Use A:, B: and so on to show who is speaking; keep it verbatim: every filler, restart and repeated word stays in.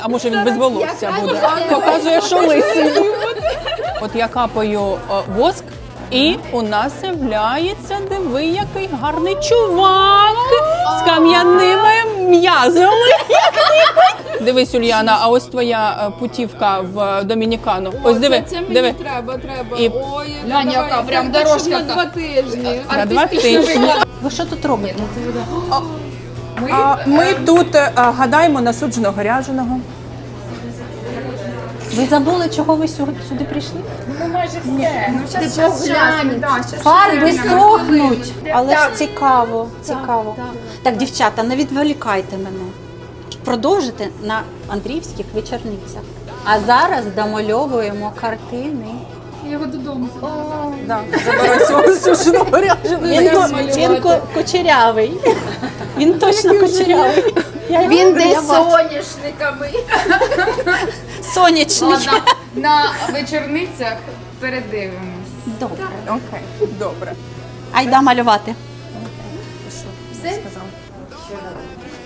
A: А може він без волосся буде? Показує, що лисий. От я капаю о, воск, і у нас з'являється, диви, який гарний чувак з кам'яними м'язами. Дивись, Ульяна, а ось твоя е, путівка в Домінікану. Ось диви,
B: Це мені
A: диви.
B: треба, треба.
A: І-
B: Ой,
C: Глянь,
B: давай,
C: яка прям
B: так,
C: дорожка
B: На
C: та.
B: два тижні.
A: На два тижні.
D: Ви що тут робите?
A: А ми тут е, гадаємо на судженого ряженого.
D: Ви забули, чого ви сюди, сюди прийшли?
C: Ну майже все. Ну щас,
B: Ти
C: щас, щас,
B: поглянь.
C: да, щас
D: Фарби
C: ще
D: сохнуть. Але ж
C: Так.
D: цікаво, цікаво.
B: так.
D: Так, дівчата, не відволікайте мене. Продовжите на Андріївських вечорницях. А зараз домальовуємо картини.
B: Я його додому забрала.
A: Да, забирай свого сушеного ряженого.
D: Він, ко- він ко- кучерявий. Він точно кучерявий. Я його-
C: Він
D: я
C: десь
D: бачу.
C: соняшниками.
D: Сонячний.
C: Ладно, на вечорницях передивимось.
D: Добре.
A: Окей, добре.
D: Айда малювати.
A: Що?
C: Все?
A: Сказав.